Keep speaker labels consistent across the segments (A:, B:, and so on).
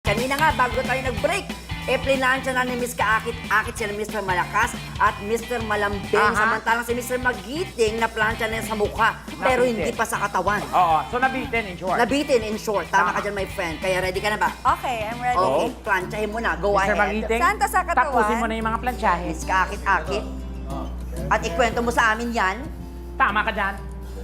A: kanina nga, bago tayo nag-break, plinansya na ni Miss Kaakit-Akit sila Mr. Malakas at Mr. Malambing. Samantalang si Mr. Magiting na plansya na sa mukha, pero hindi pa sa katawan.
B: Oo, so nabitin in short.
A: Nabitin in short. Tama ka dyan, my friend. Kaya ready ka na ba?
C: Okay, I'm ready.
A: Okay, plansyahin mo na. Go
B: Mr.
A: ahead.
B: Magiting,
C: Saan to sa katawan?
B: tapusin mo na yung mga plansyahe.
A: Miss Kaakit-Akit. At ikwento mo sa amin yan.
B: Tama ka dyan.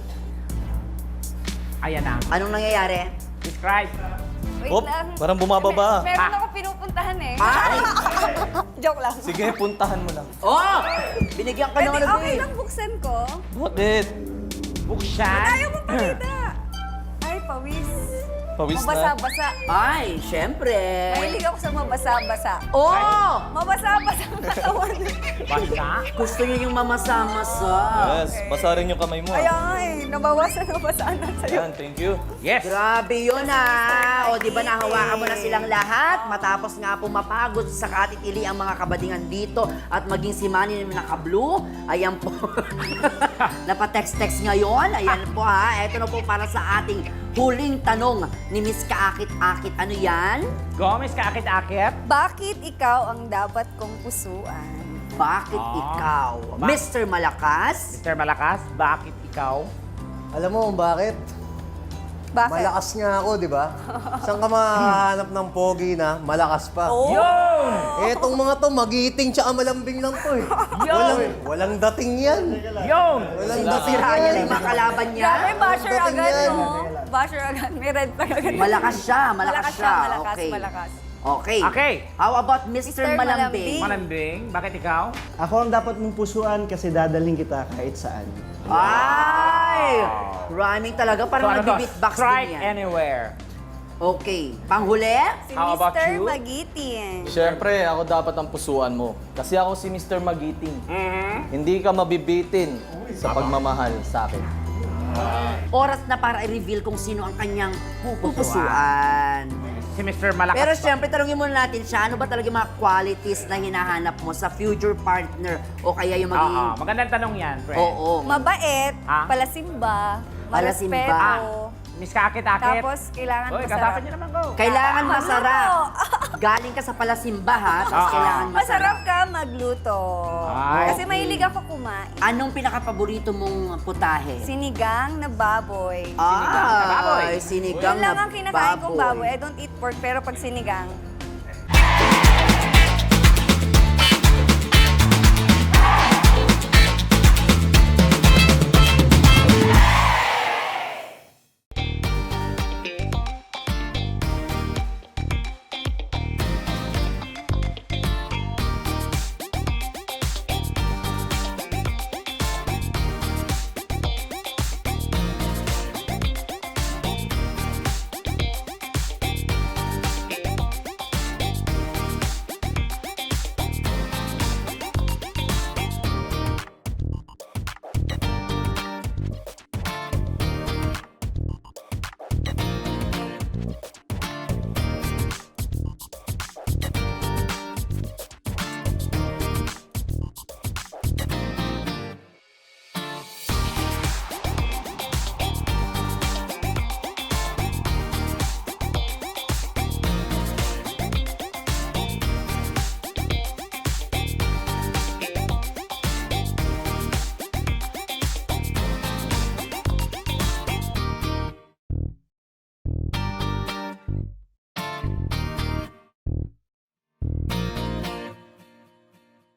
B: Ayan na.
A: Anong nangyayari?
B: Describe.
C: Wait
D: Hop,
C: lang.
D: parang bumababa.
C: Meron ako pinupuntahan eh.
A: Ay!
C: Joke lang.
D: Sige, puntahan mo lang.
A: Oh! Binigyan ka
C: Pwede,
A: naman
C: okay
A: eh.
C: lang buksan ko.
D: Bakit?
B: Buksan.
C: Ayaw mong pakita. Ay, pawis.
D: Pawis na.
C: Mabasa-basa.
A: Ay, syempre.
C: Mahilig ako sa mabasa-basa.
A: Oh!
C: Mabasa-basa ang katawan.
B: Basta.
A: Gusto niyo yung mamasa-masa.
D: Yes, basa rin yung kamay mo.
C: Kaya nga eh, nabasaan na sa'yo.
D: Ayan, thank you.
B: Yes.
A: Grabe yun ah! O di ba nahawakan mo na silang lahat? Matapos nga po mapagod sa katitili ang mga kabadingan dito at maging si Manny na naka-blue. Ayan po. Napatext-text ngayon. Ayan po ha. Ito na po para sa ating huling tanong ni Miss Kaakit-Akit. Ano yan?
B: Gomez, kaakit-akit.
C: Bakit ikaw ang dapat kong pusuan?
A: Bakit ikaw? Mr. Malakas?
B: Mr. Malakas, bakit ikaw?
E: Alam mo kung bakit?
C: Bakit?
E: Malakas nga ako, di ba? Saan ka mahahanap ng pogi na malakas pa?
C: Oh!
B: Yun!
E: Etong mga to, magiting tsaka malambing lang to eh. Walang dating yan.
B: Yun!
E: Walang dating
A: Sira niya na
E: yan.
A: yung mga kalaban niya.
C: Grabe, basher
E: Dating
C: agad,
E: yan.
C: no? Basher agad. May red flag agad.
A: Malakas siya, malakas siya.
C: Malakas,
A: Okay.
C: malakas.
A: Okay.
B: Okay.
A: How about Mr.
C: Mr.
A: Malambing?
B: Malambing, bakit ikaw?
F: Ako ang dapat mong pusuan kasi dadaling kita kahit saan.
A: Ay! Rhyming talaga. Parang
B: ano to?
A: nag-beatbox
B: Strike
A: din yan.
B: anywhere.
A: Okay. Panghuli?
C: Si
B: How about
C: Mr.
B: you?
C: Magiting.
D: Siyempre, ako dapat ang pusuan mo. Kasi ako si Mr. Magiting. Hindi ka mabibitin sa pagmamahal sa akin.
A: Oras na para i-reveal kung sino ang kanyang pupusuan.
B: Si Mr. Malakas.
A: Pero syempre, talungin muna natin siya, ano ba talaga yung mga qualities na hinahanap mo sa future partner o kaya yung magiging...
B: Oo, magandang tanong yan, friend.
A: Oo.
C: Mabait,
B: Ah?
C: palasimba,
A: Palasimba.
C: marespeto.
B: Miss Kaakit-Akit.
C: Tapos, kailangan
B: Uy,
C: masarap.
B: kasapan niyo naman ko.
A: Kailangan masarap. Galing ka sa palasimba, ha? Tapos
B: Oo.
A: kailangan masarap.
C: Masarap ka magluto.
B: Ay.
C: Kasi mahilig ako kumain.
A: Anong pinaka-paborito mong putahe?
C: Sinigang na baboy.
B: na baboy.
A: Ay, sinigang
C: Yun lang
A: na
C: ang kinakain kong baboy. I don't eat pork, pero pag sinigang,